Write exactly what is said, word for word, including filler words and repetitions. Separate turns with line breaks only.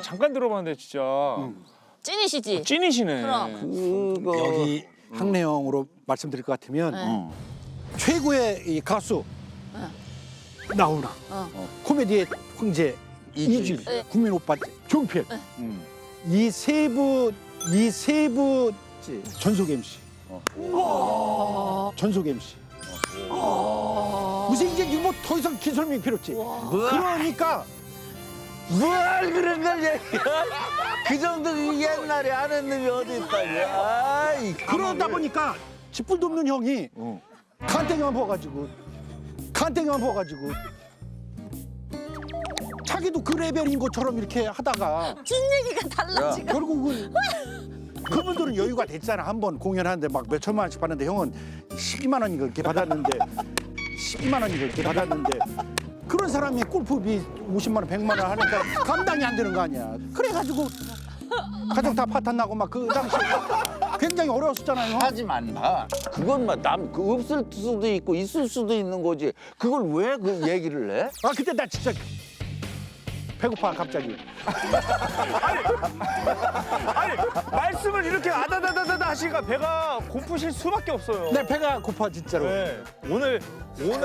그냥 잠깐 들어봤는데 진짜
찐이시지?
찐이시네.
그럼.
그거
여기 학내용으로 말씀드릴 것 같으면
네.
최고의 이 가수 나훈아,
어.
코미디의 황제
이질.
이질,
네.
국민 오빠 종필,
음.
이 세 분, 이 세 분 전속 엠씨, 전속 엠씨. 무슨 이제 뭐 더 이상 긴 설명이 필요 없지. 그러니까
뭘 그런 걸 얘기해? 그 정도 옛날에 아는 놈이 어디 있다냐? 아이,
그러다 보니까 짓불도 없는 형이
어.
간땡이만 부어가지고 간땡이만 부어가지고 자기도 그 레벨인 것처럼 이렇게 하다가
찐 얘기가 달라 지금.
결국은 그분들은 여유가 됐잖아. 한 번 공연하는데 막 몇 천만 원씩 받는데 형은 십이만 원 이렇게 받았는데 십이만 원 이렇게 받았는데 그런 사람이 골프비 오십만 원, 백만 원 하니까 감당이 안 되는 거 아니야. 그래가지고 가정 다 파탄 나고 막 그 당시 굉장히 어려웠었잖아요.
하지만 봐. 그건 막남그 없을 수도 있고 있을 수도 있는 거지. 그걸 왜 그 얘기를 해?
아 그때 나 진짜 배고파 갑자기.
아니 말씀을 이렇게 아다다다다다 하시니까 배가 고프실 수밖에 없어요.
내 배가 고파 진짜로.
네. 오늘 오늘